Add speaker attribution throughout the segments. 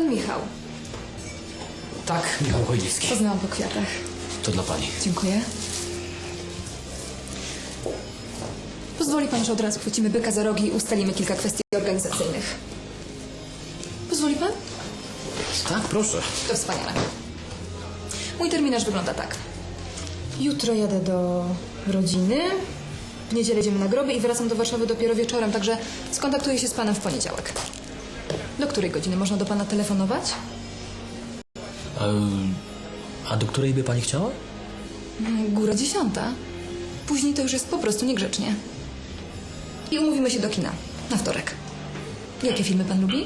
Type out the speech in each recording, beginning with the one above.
Speaker 1: pan Michał.
Speaker 2: Tak, Michał Chojnicki.
Speaker 1: Poznałam po kwiatach.
Speaker 2: To dla pani.
Speaker 1: Dziękuję. Pozwoli pan, że od razu chwycimy byka za rogi i ustalimy kilka kwestii organizacyjnych. Pozwoli pan?
Speaker 2: Tak, proszę.
Speaker 1: To wspaniale. Mój terminarz wygląda tak. Jutro jadę do rodziny. W niedzielę jedziemy na groby i wracam do Warszawy dopiero wieczorem, także skontaktuję się z panem w poniedziałek. Do której godziny można do pana telefonować?
Speaker 2: A do której by pani chciała?
Speaker 1: Góra 10. Później to już jest po prostu niegrzecznie. I umówimy się do kina. Na wtorek. Jakie filmy pan lubi?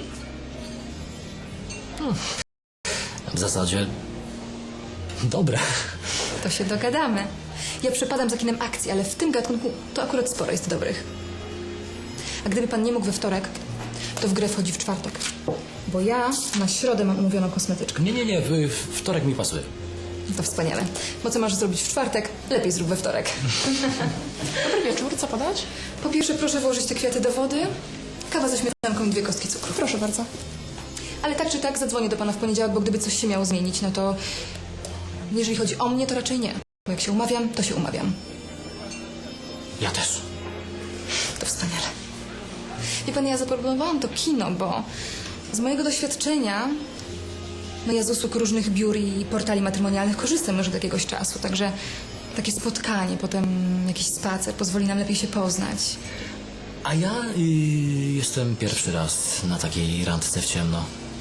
Speaker 2: W zasadzie... Dobre.
Speaker 1: To się dogadamy. Ja przepadam za kinem akcji, ale w tym gatunku to akurat sporo jest dobrych. A gdyby pan nie mógł we wtorek, to w grę wchodzi w czwartek. Bo ja na środę mam umówioną kosmetyczkę.
Speaker 2: Nie, wtorek mi pasuje.
Speaker 1: To wspaniale. Bo co masz zrobić w czwartek, lepiej zrób we wtorek.
Speaker 3: Dobry wieczór, co podać?
Speaker 1: Po pierwsze proszę włożyć te kwiaty do wody, kawa ze śmietanką i 2 kostki cukru.
Speaker 3: Proszę bardzo.
Speaker 1: Ale tak czy tak zadzwonię do pana w poniedziałek, bo gdyby coś się miało zmienić, no to... Jeżeli chodzi o mnie, to raczej nie. Bo jak się umawiam, to się umawiam.
Speaker 2: Ja też.
Speaker 1: To wspaniale. Wie pan, ja zaproponowałam to kino, bo z mojego doświadczenia, no ja z usług różnych biur i portali matrymonialnych korzystam już od jakiegoś czasu, także takie spotkanie, potem jakiś spacer pozwoli nam lepiej się poznać.
Speaker 2: A ja jestem pierwszy raz na takiej randce w ciemno.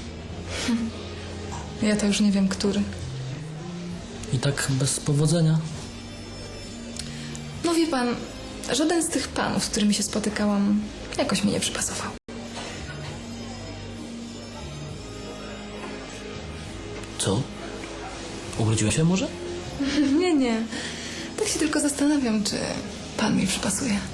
Speaker 1: Ja to już nie wiem, który.
Speaker 2: I tak bez powodzenia.
Speaker 1: No wie pan, żaden z tych panów, z którymi się spotykałam, jakoś mi nie przypasował.
Speaker 2: Co? Urodziłem się może?
Speaker 1: Nie. Tak się tylko zastanawiam, czy pan mi przypasuje.